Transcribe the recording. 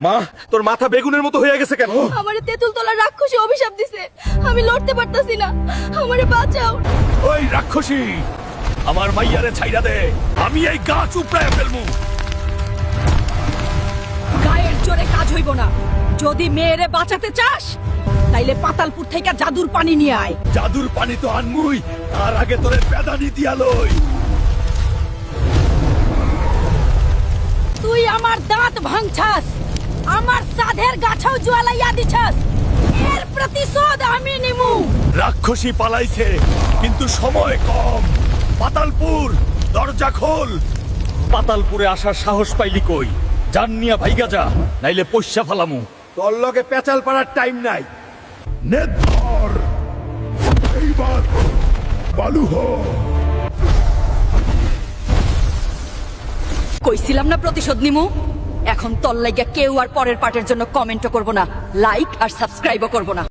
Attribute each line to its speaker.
Speaker 1: মা, তোর মাথা বেগুনের মতো হয়ে গেছে কেন?
Speaker 2: আমারে তেঁতুল তলার রাক্ষসী অভিশাপ দিছে, আমি লড়তে পারতাছি না, আমারে বাঁচাও।
Speaker 1: ওই রাক্ষসী, আমার মাইয়ারে ছাইরা দে, আমি এই গাছ উপড়ায় ফেলমু।
Speaker 2: গায়ের জোরে কাজ হইব না, যদি মেয়েরে বাঁচাতে চাস তাইলে পাতালপুর থেকে জাদুর পানি নিয়ে আয়।
Speaker 1: জাদুর পানি তো আনমুই, তার আগে তোরে পেদানি দিয়া লই।
Speaker 2: তুই আমার দাঁত ভাঙছাস, আমার সাধের গাছাও জ্বালাইয়া দিছাস, এর প্রতিশোধ আমি নিমু।
Speaker 1: রাক্ষসী পালাইছে, কিন্তু সময় কম। পাতালপুর, দরজা খোল। পাতালপুরে আসার সাহস পাইলি কই? জাননিয়া ভাইগা যা, নাইলে পয়সা ফালামু। তোর লগে পেঁচাল পাড়ার টাইম নাই। নে ধর, এইবার বালু হ।
Speaker 2: কইছিলাম না প্রতিশোধ নিমু। এখন তোর লাগা কেউ আর পরের পার্টের জন্য কমেন্টও করব না, লাইক আর সাবস্ক্রাইবও করব না।